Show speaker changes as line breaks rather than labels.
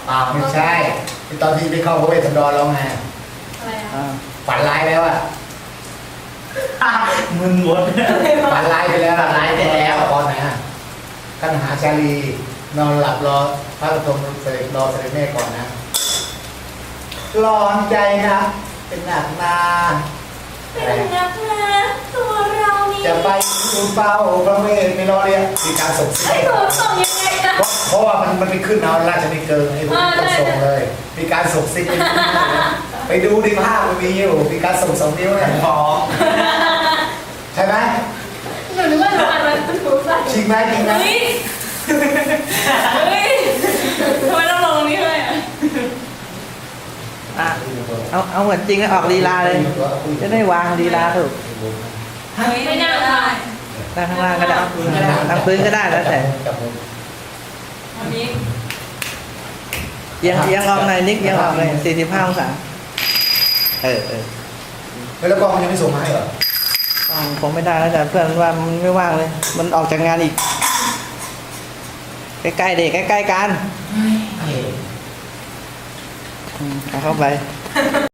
ไม่ใช่ตอนที่ไปเข้าพระเวทสันดรแล้วไง
อะไรอ่ะ
ฝันร้ายแล้วอ่ะ
มึนหมด
ฝันร้ายไปแล้ว
ฝันร้ายไปแล้ว
ตอนไหนอ่ะกันหาชาลีนอนหลับรอพระตรงเสด็จรอเสด็จแม่ก่อนนะร้อนใจนะเป็นหนักนา
เป็นนักนะตัวเรานี่
จะไปดูเป้าพระเวทไม่รอเรียกมีการส่งเสี
ไอ้
ย
หนูส่งยังไงนะ
เพราะว่ามันไปขึ้นเอาราชนิเกิงไอ้พวกนี้ต้องส่งเลย มีการส่งซิกไปดูดิภาพมันมีอยู่มีการส่งสองนิ้วเนี่ย
พอ
ใช่ไหม
หนูนึกว่าหนูอ่านมันถูกใส่
จริงไหมจริงไหม
เฮ้ยเฮ้ยทำไมต้องลงนี้ด้วยอ่ะ
อ่ะเอาเหมือนจริงแล้วออกลีลาเลย จะได้วางลีลาถูก
ไม่น่าตาย
นั่งข้างล่างก็ได้นั่งพื้นก็ได้แล้วแต่
อันนี้
เอียงออกหน่อยนิกเอียงออกเลย45 องศาเออ
แล้วกล้องมันยังไม่ส่งมาให้เหรอ
คงไม่ได้แล้วแต่เพื่อนว่ามันไม่ว่างเลย มันออกจากงานอีก ใกล้ๆเด็กใกล้ๆกันเอาเข้าไป